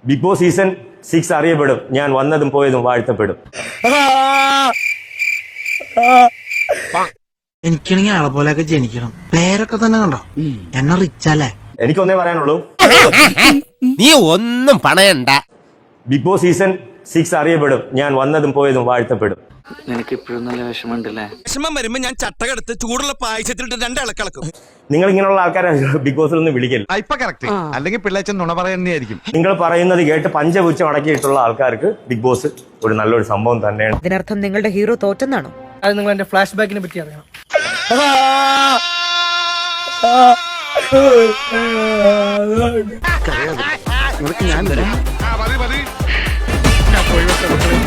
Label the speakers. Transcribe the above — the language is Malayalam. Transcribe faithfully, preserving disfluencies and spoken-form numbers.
Speaker 1: ബിഗ് ബോസ് സീസൺ സിക്സ് അറിയപ്പെടും. ഞാൻ വന്നതും പോയതും വാഴ്ത്തപ്പെടും.
Speaker 2: എനിക്കാണെങ്കിൽ ആളെ പോലെയൊക്കെ ജനിക്കണം. പേരൊക്കെ തന്നെ കണ്ടോ, എന്നെ റിച്ചല്ലേ.
Speaker 1: എനിക്കൊന്നേ പറയാനുള്ളൂ,
Speaker 3: നീ ഒന്നും പണയണ്ട.
Speaker 1: ബിഗ് ബോസ് സീസൺ സിക്സ് അറിയപ്പെടും. ഞാൻ വന്നതും പോയതും വാഴ്ത്തപ്പെടും.
Speaker 4: നിനക്ക് ഇപ്പോഴും നല്ല വിഷമമുണ്ടല്ലേ?
Speaker 3: വിഷമം വരുമ്പോ ഞാൻ ചട്ടകെടുത്ത് ചൂടുള്ള പായസത്തിലിട്ട് രണ്ടിളക്കിളക്കും.
Speaker 1: നിങ്ങൾ ഇങ്ങനെയുള്ള ആൾക്കാരെ ബിഗ് ബോസിൽ നിന്ന് വിളിക്കൽ.
Speaker 5: ഇപ്പൊ കറക്റ്റ്, അല്ലെങ്കിൽ പിള്ളേച്ചൻ നുണ പറയുന്നതായിരിക്കും.
Speaker 1: നിങ്ങൾ പറയുന്നത് കേട്ട് പഞ്ചപുച്ഛം അടക്കിയിട്ടുള്ള ആൾക്കാർക്ക് ബിഗ് ബോസ് ഒരു നല്ലൊരു സംഭവം തന്നെയാണ്.
Speaker 6: ഇതിനർത്ഥം നിങ്ങളുടെ ഹീറോ തോറ്റെന്നാണോ?
Speaker 7: അത് നിങ്ങൾ എന്റെ ഫ്ലാഷ് ബാക്കിനെ പറ്റി അറിയണം.
Speaker 5: ഞാൻ